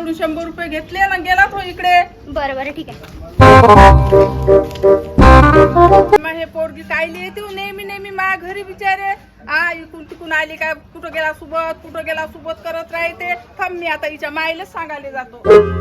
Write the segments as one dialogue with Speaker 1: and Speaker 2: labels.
Speaker 1: माझ्याकडून 100 रुपये घेतले ना गेला तो इकडे.
Speaker 2: बरं बरं ठीक आहे.
Speaker 1: मग हे पोरगी कायली येते हो नेहमी नेहमी माझ्या घरी बिचारे. इकून तिकून आली काय कुठं गेला सोबत करत राहते. थांब मी आता हिच्या माईलाच सांगायला जातो.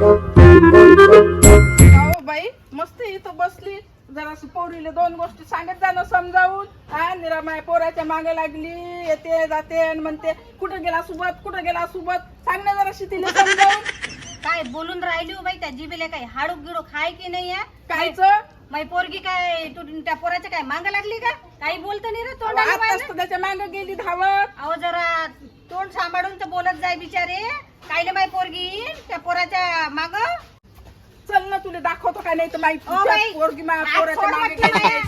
Speaker 1: हो बाई मस्त इथं बसली जरा पोरीले 2 गोष्टी सांगत जाणं समजावून. निरा माय पोराच्या मागे लागली येते जाते आणि म्हणते कुठं गेला सोबत सांग ना जरा तिला समजावून.
Speaker 3: काय बोलून राहिली हो बाई त्या जिबेला काही हाडूक गिडूक खाय की नाही आहे
Speaker 1: कायच
Speaker 3: माई पोरगी काय तू त्या पोराच्या काय मांग लागली का काही बोलत नाही रे तोंडाला
Speaker 1: त्याच्या मागे गेली धावत.
Speaker 3: अहो जरा तोंड सांभाळून तर बोलत जाय बिचारे. कायले माई पोरगी त्या पोराच्या माग
Speaker 1: चल ना तुला दाखवतो काय नाही तर माई
Speaker 3: ओ बाई,
Speaker 1: पोरगी पोराच्या
Speaker 3: सोड
Speaker 1: मागे
Speaker 3: म्हटलं
Speaker 1: गेली.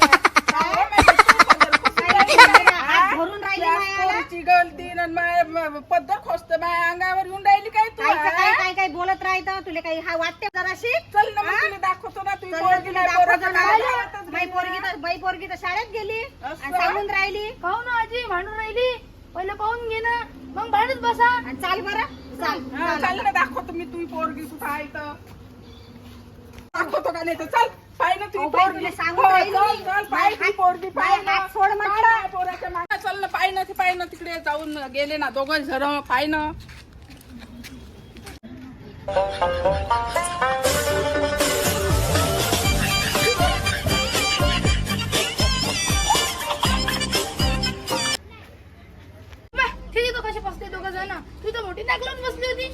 Speaker 3: भरून राहिली मायाला.
Speaker 1: पोरीची गलती आणि माय पद्धत खोसत माय अंगावर येऊन राहिली काय तू.
Speaker 3: काय काय बोलत राहत तुला काही हा वाटते जराशी.
Speaker 1: चल ना मग तुला दाखवतो ना तुझी
Speaker 3: चल
Speaker 1: पोरगी
Speaker 3: तुला
Speaker 1: नाही
Speaker 3: दाखवतो
Speaker 1: पोराच्या
Speaker 3: ना.
Speaker 1: मागे धावतच
Speaker 3: बाई पोरगी तर शाळेत गेली
Speaker 1: असं?
Speaker 3: आणि सांगून राहिली.
Speaker 2: पाहू ना आजी भांडून राहिली. पहिलं पाहून घे ना मग भांडत बसा.
Speaker 3: आणि चाल बरं चाल
Speaker 1: चल ना दाखवतो मी तुझी पोरगी कुठं आहे तर. दाखवतो का नाही तर चल पाय ना तुझी
Speaker 3: अहो बाई,
Speaker 1: पोरगी.
Speaker 3: तुला सांगून
Speaker 1: हो,
Speaker 3: राहिली
Speaker 1: चल,
Speaker 3: मी.
Speaker 1: चल, पाय तुझी पोरगी पाय
Speaker 3: बाई,
Speaker 1: ना.
Speaker 3: हात सोड म्हटलं.
Speaker 1: पाय ना पोराच्या मागे. चल ना पाय ना तिकडे जाऊन गेले ना दोघं जण पाय ना.
Speaker 2: ठीक आहे कसे बसले दोघं जण. तू तर मोठी नाक लावून बसली होती.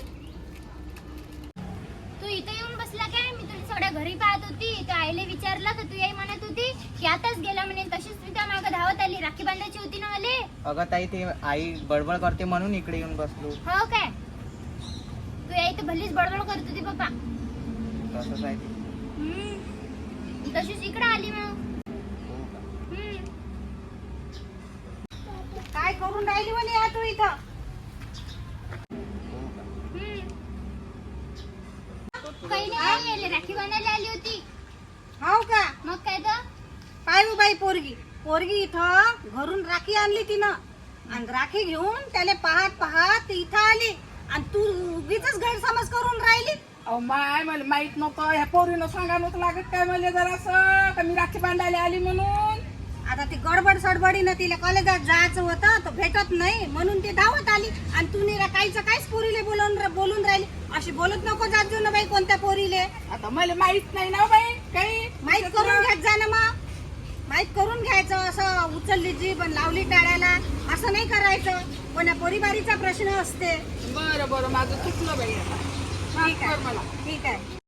Speaker 4: तू इथे येऊन बसला काय? मी तुला थोड्या घरी पाहत होती. त्या आईले विचारलं तर तू याई म्हणत होती की आताच गेला म्हणे. तशीच मी त्या मागं धावत आली. राखी बांधायची होती ना मले.
Speaker 5: अगं ताई ते आई बडबड करते म्हणून इकडे येऊन बसलो.
Speaker 4: हो काय? तू याई तर भलीच बडबड करत होती पप्पा.
Speaker 5: तसंच आहे ते.
Speaker 4: तशीच इकडे आली मग.
Speaker 5: हो का?
Speaker 3: काय करून राहिली म्हणे या तू इथं.
Speaker 5: हो का?
Speaker 4: काही नाही यायले राखी बांधायला आली होती.
Speaker 3: हो का
Speaker 4: मग काय तर
Speaker 3: पाय हो बाई पोरगी इथं घरून राखी आणली तिनं आणि राखी घेऊन त्याला पाहत इथं आली आणि तू उगीच गैरसमज करून राहिली.
Speaker 1: अहो माय मला माहित नव्हतं ह्या पोरीनं सांगा नव्हतं लागत काय मला जरासं का मी राखी बांधायला आली म्हणून.
Speaker 3: आता ती गडबड सडबडीनं तिला कॉलेजात जायचं होतं तो भेटत नाही म्हणून ती धावत आली आणि तू निरा काहीच पोरीले बोलून राहिली. अशी बोलत नको जात जाऊ ना बाई कोणत्या पोरीले.
Speaker 1: आता मला माहित नाही ना बाई काही.
Speaker 3: माहित करून घ्यायचं जा ना मग. माहित करून घ्यायचं. असं उचलली जीभ आणि लावली टाळ्याला असं नाही करायचं. कोण्या पोरीबारीचा प्रश्न असते.
Speaker 1: बरं माझं चुकलं बाई आता. माफ
Speaker 3: ठीक
Speaker 1: कर
Speaker 3: आहे
Speaker 1: मला.
Speaker 3: ठीक आहे.